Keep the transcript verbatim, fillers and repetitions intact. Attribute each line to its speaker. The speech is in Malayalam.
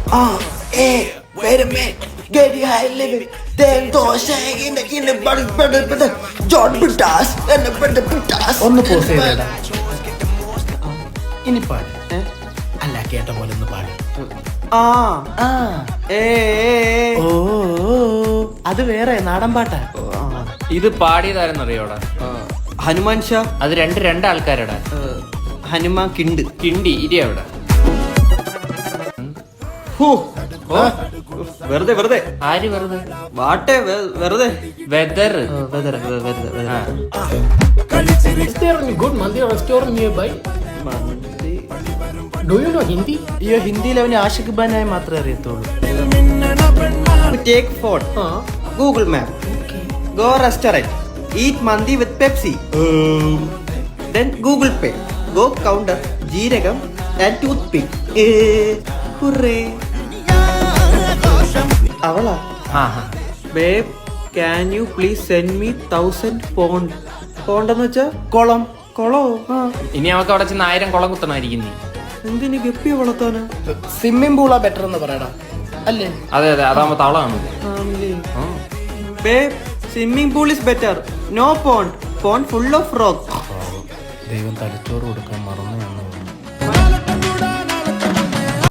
Speaker 1: Ah, hey, wait a minute. Get your high living. Then those in the in the butter butter butter. John Butas and the butter Butas.
Speaker 2: ഒന്ന് പോസ് ചെയ്തേടാ. ഇനി പാട്. അല്ല കേട്ട പോലെ ഒന്ന് പാട്.
Speaker 1: ആ ആ ഏ
Speaker 2: ഓ അത് വേറെ നാടൻ പാട്ടാ.
Speaker 3: ഇത് പാടിയതാരെന്നറിയോടാ?
Speaker 1: ഹനുമാൻ ഷാ.
Speaker 3: അത് രണ്ട് രണ്ട് ആൾക്കാരടാ.
Speaker 1: ഹനുമാൻ കിണ്ട്.
Speaker 3: കിണ്ടി ഇരി അവിടെ.
Speaker 1: വെറുതെ വെറുതെ
Speaker 3: ആര് വെറുതെ?
Speaker 1: വാട്ടെ വെറുതെ
Speaker 3: വെദർ.
Speaker 1: വെറുതെ വെറുതെ
Speaker 2: Is there any good Mandi restaurant nearby? Do you know Hindi?
Speaker 1: അയ്യോ ഹിന്ദിയിൽ അവന് ആഷിഖ് ഖാനായി മാത്രമേ അറിയത്തുള്ളൂ. Take phone Google map go restaurant eat mandi with Pepsi then Google Pay go counter jeerakam and toothpick. അവളാ babe can you please send me thousand pound. പോണ്ടെന്ന് വെച്ചാ കുളം. കുളോ? ആ
Speaker 3: ഇനി അവക്ക് അവിടെ ചെന്ന് ആയിരം കുളം കുത്തണമായിരിക്കും നീ.
Speaker 1: എന്തിനു ഗപ്പിയെ വളർത്താനാ?
Speaker 2: സ്വിമ്മിംഗ് പൂളാ ബെറ്റർ എന്ന് പറയടാ അല്ലേ?
Speaker 3: അതെ അതെ അതാകുമ്പോ തളമാണ്.
Speaker 1: Babe swimming pool is better. No pond. Pond full of rock.
Speaker 2: ദൈവം തലച്ചോറ് കൊടുക്കാൻ മറന്നു.